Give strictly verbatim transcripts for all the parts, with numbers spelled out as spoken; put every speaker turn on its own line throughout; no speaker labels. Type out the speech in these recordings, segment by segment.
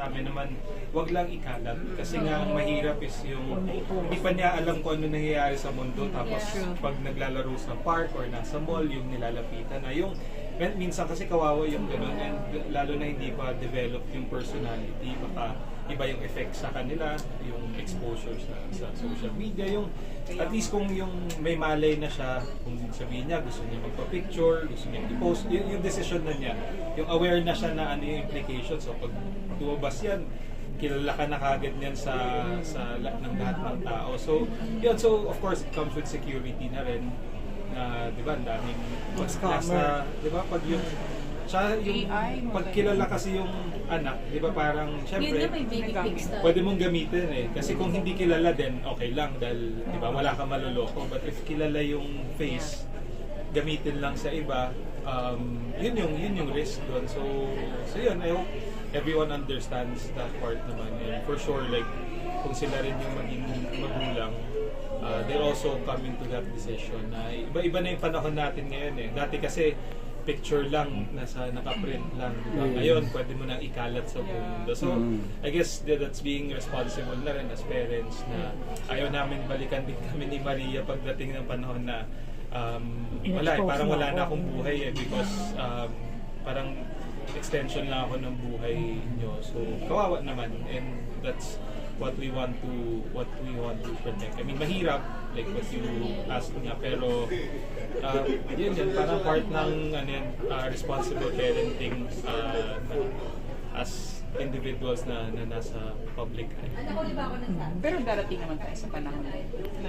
amin naman, wag lang ikalat. Kasi nga ang mahirap is yung hindi pa niya alam kung ano nangyayari sa mundo. Tapos pag naglalaro sa park or nasa mall, yung nilalapitan na yung minsan kasi kawawa yung gano'n, and lalo na hindi pa develop yung personality, baka iba yung effect sa kanila, yung exposure sa, sa social media, yung at least kung yung may malay na siya, kung sabihin niya gusto niya magpa-picture, gusto niya i-post, yung, yung decision na niya, yung aware na siya na ano yung implications. So pag lumabas yan, kilala ka na kagad niyan sa sa la- ng lahat ng tao. So yun, so of course it comes with security na rin, na di ba, ang daming pag nasa, di ba, pag yung siya yung pag kilala kasi yung anak, di ba, parang syempre
Yun na may baby pics na.
pwede mong gamitin eh. Kasi kung hindi kilala din, okay lang dahil di ba wala kang maloloko. But if kilala yung face, gamitin lang sa iba, um, yun yung yun yung risk doon. So so yun, I hope everyone understands that part naman. And for sure, like kung sila rin yung maging magulang, uh, they're also coming to that decision na iba-iba na yung panahon natin ngayon eh. Dati kasi picture lang, nasa nakaprint lang, diba? Ngayon, pwede mo nang ikalat sa buong mundo. So, I guess that- that's being responsible na rin as parents na ayaw namin balikan din kami ni Maria pagdating ng panahon na um, wala eh, parang wala na akong buhay eh, because um, parang extension lang ako ng buhay nyo. So, kawawa naman, and that's what we want to what we want to protect. I mean, mahirap, like what you asked nga, pero uh, yun yun, parang part ng ano yan, uh, responsible parenting uh, na, as individuals na, na nasa public eye.
Pero darating naman tayo sa panahon na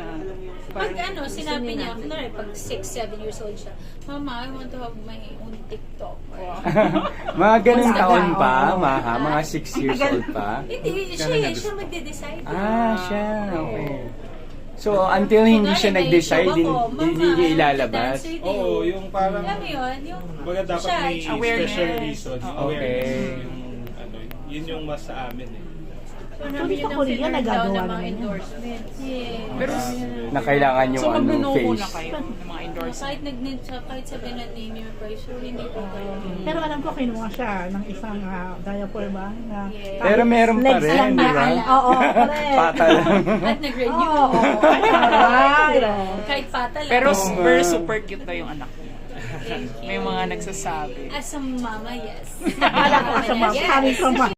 Pag ano, sinabi niya, kunwari, pag six, seven years old siya, Mama, I want to have my own TikTok.
Mga ganun taon pa, Maha? Mga six years old pa?
Hindi, siya, siya magde-decide.
Ah, siya. Okay. So, until hindi siya nag-decide, hindi hindi niya ilalabas?
Oo, yung parang
Alam mo yun, yung
baga dapat
siya,
may
awareness.
special reason, yung
Okay.
awareness, yung ano, yun yung mas sa amin eh.
marami
Sa
nang
Korea,
pinarm
nagagawa
down ng mga
naman yun.
endorsements. Yeah.
Pero,
Na kailangan yung
so
ano,
magno-no
face.
na kayo ng mga endorsement.
Kahit nag kahit sabihin na name your price, sure hindi po kayo.
Pero alam ko kinuha siya ng isang uh, diaper ba? Na,
Yes.
Pero meron pa
legs
rin,
lang
di
na,
ba?
Oo, correct.
Pata lang.
At nag-renew.
Oo, correct.
Kahit pata lang.
Pero
Oo.
very super cute na yung anak niya.
Thank you.
May mga nagsasabi.
As a mama, yes.
Alam ko sa mga
Yes.
coming from